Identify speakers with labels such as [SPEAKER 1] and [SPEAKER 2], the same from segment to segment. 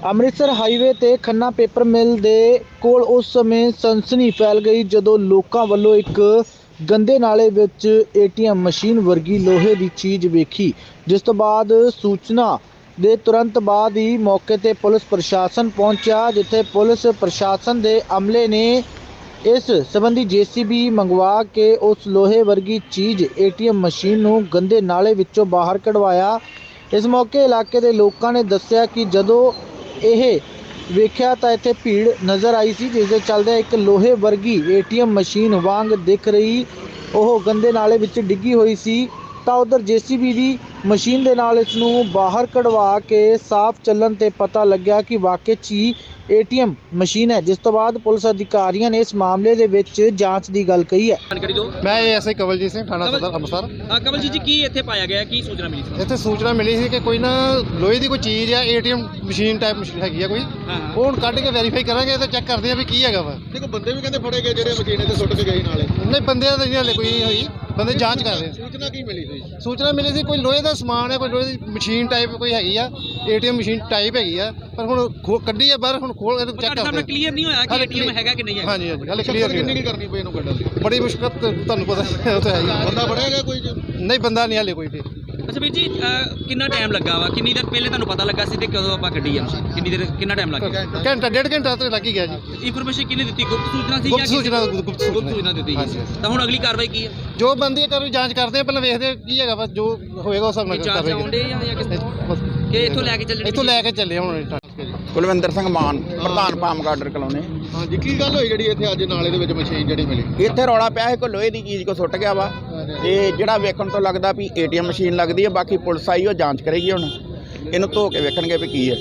[SPEAKER 1] Amritsar highway ਤੇ Khanna paper mill ਦੇ ਕੋਲ ਉਸ ਸਮੇਂ ਸਨਸਨੀ ਫੈਲ ਗਈ ਜਦੋਂ ਲੋਕਾਂ ਵੱਲੋਂ ਇੱਕ ਗੰਦੇ ਨਾਲੇ ਵਿੱਚ ਏਟੀਐਮ ਮਸ਼ੀਨ ਵਰਗੀ ਲੋਹੇ ਦੀ ਚੀਜ਼ ਵੇਖੀ, ਜਿਸ ਤੋਂ ਬਾਅਦ ਸੂਚਨਾ ਦੇ ਤੁਰੰਤ ਬਾਅਦ ਹੀ ਮੌਕੇ ਤੇ ਪੁਲਿਸ ਪ੍ਰਸ਼ਾਸਨ ਪਹੁੰਚਿਆ, ਜਿੱਥੇ ਪੁਲਿਸ ਪ੍ਰਸ਼ਾਸਨ ਦੇ ਅਮਲੇ ਨੇ ਇਸ ਸੰਬੰਧੀ ਜੀਸੀਬੀ ਮੰਗਵਾ ਕੇ ਉਸ ਲੋਹੇ ਵਰਗੀ ਚੀਜ਼ ਏਟੀਐਮ ਮਸ਼ੀਨ ਨੂੰ ਗੰਦੇ ਨਾਲੇ ਵਿੱਚੋਂ ਬਾਹਰ ਕਢਵਾਇਆ। ਇਸ ਮੌਕੇ ਇਲਾਕੇ ਦੇ ਲੋਕਾਂ ਨੇ ਦੱਸਿਆ ਕਿ ਜਦੋਂ ਇਹ ਵੇਖਿਆ ਤਾਂ ਇੱਥੇ ਭੀੜ ਨਜ਼ਰ ਆਈ ਸੀ, ਜਿਸ ਦੇ ਚੱਲਦੇ ਇੱਕ ਲੋਹੇ ਵਰਗੀ ਏਟੀਐਮ ਮਸ਼ੀਨ ਵਾਂਗ ਦਿਖ ਰਹੀ ਉਹ ਗੰਦੇ ਨਾਲੇ ਵਿੱਚ ਡਿੱਗੀ ਹੋਈ ਸੀ। ਤਾਂ ਉਧਰ ਜੀਸੀਬੀ ਦੀ ਮਸ਼ੀਨ ਦੇ ਨਾਲ ਇਸ ਨੂੰ ਬਾਹਰ ਕਢਵਾ ਕੇ ਸਾਫ਼ ਚੱਲਣ ਤੇ ਪਤਾ ਲੱਗਿਆ ਕਿ ਵਾਕਈ 'ਚ ਹੀ ਏਟੀਐਮ ਮਸ਼ੀਨ ਹੈ, ਜਿਸ ਤੋਂ ਬਾਅਦ ਪੁਲਿਸ ਅਧਿਕਾਰੀਆਂ ਨੇ ਇਸ ਮਾਮਲੇ ਦੇ ਵਿੱਚ ਜਾਂਚ ਦੀ ਗੱਲ ਕਹੀ ਹੈ।
[SPEAKER 2] ਮੈਂ ਐਸਆਈ ਕਵਲਜੀਤ ਸਿੰਘ ਥਾਣਾ ਸਦਰ ਅੰਮ੍ਰਿਤਸਰ।
[SPEAKER 3] ਕਵਲਜੀਤ ਜੀ, ਕੀ ਇੱਥੇ ਪਾਇਆ ਗਿਆ, ਕੀ ਸੂਚਨਾ ਮਿਲੀ ਸੀ?
[SPEAKER 2] ਇੱਥੇ ਸੂਚਨਾ ਮਿਲੀ ਸੀ ਕਿ ਕੋਈ ਨਾ ਲੋਹੇ ਦੀ ਕੋਈ ਚੀਜ਼ ਆ, ਏਟੀਐਮ ਮਸ਼ੀਨ ਟਾਈਪ ਮਸ਼ੀਨ ਹੈਗੀ ਆ ਕੋਈ, ਉਹ ਹੁਣ ਕੱਢ ਕੇ ਵੈਰੀਫਾਈ ਕਰਾਂਗੇ ਤੇ ਚੈੱਕ ਕਰਦੇ ਆ ਵੀ ਕੀ ਹੈਗਾ ਵਾ।
[SPEAKER 4] ਦੇਖੋ ਬੰਦੇ ਵੀ ਕਹਿੰਦੇ ਫੜੇ ਗਏ ਜਿਹੜੇ ਮਸ਼ੀਨ ਤੇ ਸੁੱਟ ਕੇ ਗਏ ਨਾਲੇ।
[SPEAKER 2] ਨਹੀਂ, ਬੰਦਿਆਂ ਦਾ ਨਹੀਂ ਹਲੇ ਕੋਈ ਹੋਈ, ਬੰਦੇ ਜਾਂਚ ਕਰ ਰਹੇ ਆ।
[SPEAKER 4] ਸੂਚਨਾ ਕੀ ਮਿਲੀ ਸੀ?
[SPEAKER 2] ਸੂਚਨਾ ਮਿਲੀ ਸੀ ਕੋਈ ਲੋਹੇ ਦਾ ਸਮਾਨ ਹੈ, ਕੋਈ ਲੋਹੇ ਦੀ ਮਸ਼ੀਨ ਟਾਈਪ ਕੋਈ ਹੈਗੀ ਆ, ਏਟੀਐਮ ਮਸ਼ੀਨ ਟਾਈਪ ਹੈਗੀ ਆ, ਪਰ ਹੁਣ ਕੱਢੀ ਆ ਬਾਹਰ, ਹੁਣ ਖੋਲ ਕੇ ਚੈੱਕ ਕਰਦੇ ਆ।
[SPEAKER 3] ਕਲੀਅਰ ਨਹੀਂ ਹੋਇਆ ਕਿ ਏਟੀਐਮ ਹੈਗਾ ਕਿ ਨਹੀਂ ਹੈ।
[SPEAKER 2] ਹਾਂਜੀ ਹਾਂਜੀ, ਹਲੇ ਕਲੀਅਰ
[SPEAKER 4] ਕਿੰਨੀ ਕੀ ਕਰਨੀ ਪਈ ਇਹਨੂੰ ਕੱਢਣ ਲਈ?
[SPEAKER 2] ਬੜੀ ਮੁਸ਼ਕਲ ਤੁਹਾਨੂੰ ਪਤਾ ਉਹ ਤਾਂ ਹੈ ਹੀ।
[SPEAKER 4] ਬੰਦਾ ਫੜਿਆ ਗਿਆ ਕੋਈ?
[SPEAKER 2] ਨਹੀਂ, ਬੰਦਾ ਨਹੀਂ ਹਲੇ ਕੋਈ ਵੀ।
[SPEAKER 3] ਅੱਛਾ ਵੀਰ ਜੀ, ਕਿੰਨਾ ਟਾਈਮ ਲੱਗਾ ਵਾ? ਕਿੰਨੀ ਦੇਰ ਪਹਿਲੇ ਤੁਹਾਨੂੰ ਪਤਾ ਲੱਗਾ ਸੀ ਤੇ ਕਦੋਂ ਆਪਾਂ ਕੱਢੀ ਆ? ਕਿੰਨੀ ਦੇਰ, ਕਿੰਨਾ ਟਾਈਮ ਲੱਗ ਗਿਆ?
[SPEAKER 2] ਘੰਟਾ ਡੇਢ ਘੰਟਾ ਤੇ ਲੱਗ ਹੀ ਗਿਆ ਜੀ।
[SPEAKER 3] ਇਨਫੋਰਮੇਸ਼ਨ ਕਿਹਨੇ ਦਿੱਤੀ? ਗੁਪਤ ਸੂਚਨਾ ਸੀ
[SPEAKER 2] ਗੁਪਤ
[SPEAKER 3] ਜਾਂ
[SPEAKER 2] ਸੂਚਨਾ
[SPEAKER 3] ਗੁਪਤ ਸੂਚਨਾ ਦਿੱਤੀ
[SPEAKER 2] ਹਾਂਜੀ।
[SPEAKER 3] ਤਾਂ ਹੁਣ ਅਗਲੀ ਕਾਰਵਾਈ ਕੀ ਹੈ?
[SPEAKER 2] ਜੋ ਬੰਦੀ ਕਰ ਜਾਂਚ ਕਰਦੇ ਆ, ਪਹਿਲਾਂ ਵੇਖਦੇ ਆ ਕੀ ਹੈਗਾ ਵਾ, ਜੋ ਹੋਏਗਾ ਉਸ ਹਿਸਾਬ ਨਾਲ
[SPEAKER 3] ਜਾਂਚ ਆਉਂਦੇ ਜਾਂ ਕਿਸ ਕਿ ਇੱਥੋਂ ਲੈ ਕੇ ਚੱਲਣੇ?
[SPEAKER 2] ਇੱਥੋਂ ਲੈ ਕੇ ਚੱਲੇ ਹੁਣ।
[SPEAKER 5] ਕੁਲਵਿੰਦਰ ਸਿੰਘ ਮਾਨ, ਪ੍ਰਧਾਨ ਪਾਮ ਗਾਰਡਰ ਕਲੋਨੀ।
[SPEAKER 4] ਹਾਂਜੀ, ਕੀ ਗੱਲ ਹੋਈ ਜਿਹੜੀ ਇੱਥੇ ਅੱਜ ਨਾਲੇ ਦੇ ਵਿੱਚ ਮਸ਼ੀਨ ਜਿਹੜੀ ਮਿਲੀ?
[SPEAKER 5] ਇੱਥੇ ਰੌਲਾ ਪਿਆ ਹੈ, ਕੋਈ ਲੋਹੇ ਦੀ ਚੀਜ਼ ਕੋ ਸੁੱਟ ਗਿਆ ਵਾ, ਤੇ ਜਿਹੜਾ ਵੇਖਣ ਤੋਂ ਲੱਗਦਾ ਵੀ ਏਟੀਐਮ ਮਸ਼ੀਨ ਲੱਗਦੀ ਹੈ। ਬਾਕੀ ਪੁਲਿਸ ਆਈ, ਉਹ ਜਾਂਚ ਕਰੇਗੀ, ਹੁਣ ਇਹਨੂੰ ਧੋ ਕੇ ਵੇਖਣਗੇ ਵੀ ਕੀ ਹੈ,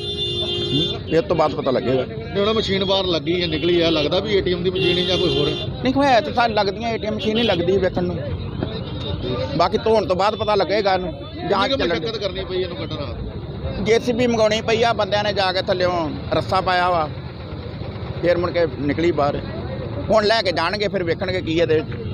[SPEAKER 5] ਇਸ ਤੋਂ ਬਾਅਦ ਪਤਾ ਲੱਗੇਗਾ।
[SPEAKER 4] ਜਿਹੜਾ ਮਸ਼ੀਨ ਬਾਹਰ ਲੱਗੀ ਹੈ, ਨਿਕਲੀ ਹੈ, ਲੱਗਦਾ ਵੀ ਏਟੀਐਮ ਦੀ ਮਸ਼ੀਨ ਹੈ ਜਾਂ ਕੋਈ ਹੋਰ?
[SPEAKER 5] ਨਹੀਂ, ਹੋਇਆ ਤਾਂ ਸਾਨੂੰ ਲੱਗਦੀਆਂ ਏਟੀਐਮ ਮਸ਼ੀਨ ਹੀ ਲੱਗਦੀ ਵੇਖਣ ਨੂੰ, ਬਾਕੀ ਧੋਣ ਤੋਂ ਬਾਅਦ ਪਤਾ ਲੱਗੇਗਾ। ਇਹਨੂੰ ਜਾਂਚ
[SPEAKER 4] ਮੁਸ਼ੱਕਤ ਕਰਨੀ ਪਈ ਇਹਨੂੰ ਕੱਢਣ ਵਾਸਤੇ?
[SPEAKER 5] ਜੀਸੀਬੀ ਮੰਗਾਉਣੀ ਪਈ ਆ, ਬੰਦਿਆਂ ਨੇ ਜਾ ਕੇ ਥੱਲਿਓਂ ਰੱਸਾ ਪਾਇਆ ਵਾ, ਫਿਰ ਮੁੜ ਕੇ ਨਿਕਲੀ ਬਾਹਰ। ਹੁਣ ਲੈ ਕੇ ਜਾਣਗੇ, ਫਿਰ ਵੇਖਣਗੇ ਕੀ ਇਹਦੇ ਵਿੱਚ।